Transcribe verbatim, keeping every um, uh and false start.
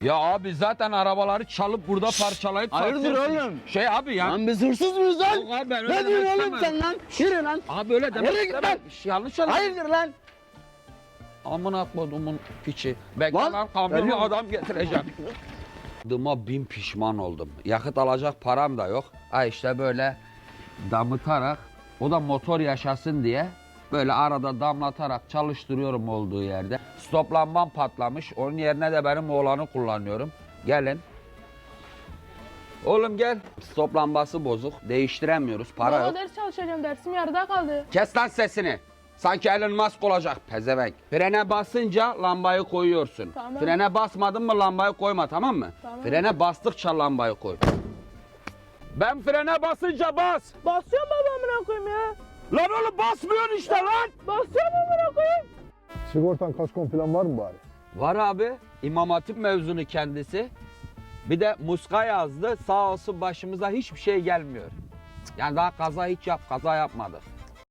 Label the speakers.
Speaker 1: Ya abi zaten arabaları çalıp burada parçalayıp
Speaker 2: Hayırdır
Speaker 1: satıyorsun.
Speaker 2: oğlum?
Speaker 1: Şey abi ya.
Speaker 2: Lan biz hırsız mıyız lan?
Speaker 1: Yok abi ben öyle
Speaker 2: Ne
Speaker 1: demek
Speaker 2: diyorsun oğlum
Speaker 1: istemedim.
Speaker 2: sen lan? Yürü lan.
Speaker 1: Abi öyle demek
Speaker 2: Yürü git
Speaker 1: istemedim.
Speaker 2: lan.
Speaker 1: Şey, yanlış anladın.
Speaker 2: Hayırdır lan?
Speaker 1: Amına kodumun piçi. Bekle
Speaker 2: Lan,
Speaker 1: lan kamyonu
Speaker 2: veriyorum.
Speaker 1: adam getireceğim. Dıma bin pişman oldum. Yakıt alacak param da yok. Ha işte böyle damıtarak, o da motor yaşasın diye böyle arada damlatarak çalıştırıyorum olduğu yerde. Stop lambam patlamış. Onun yerine de benim oğlanı kullanıyorum. Gelin. Oğlum gel. Stop lambası bozuk. Değiştiremiyoruz. Para
Speaker 3: Baba
Speaker 1: yok.
Speaker 3: ders çalışacağım, dersim yarıda kaldı.
Speaker 1: Kes lan sesini. Sanki Elon Musk olacak pezevenk. Frene basınca lambayı koyuyorsun.
Speaker 3: Tamam.
Speaker 1: Frene basmadın mı lambayı koyma, tamam mı?
Speaker 3: Tamam.
Speaker 1: Frene bastıkça lambayı koy. Ben frene basınca bas.
Speaker 3: Basıyorum baba amına koyayım ya.
Speaker 1: Lan oğlum basmıyorsun işte lan.
Speaker 3: Basıyorum amına koyayım.
Speaker 4: Sigortan kaskon falan var mı bari?
Speaker 1: Var abi. İmam Hatip mezunu kendisi. Bir de muska yazdı. Sağ olsun başımıza hiçbir şey gelmiyor. Yani daha kaza hiç yap, kaza yapmadık.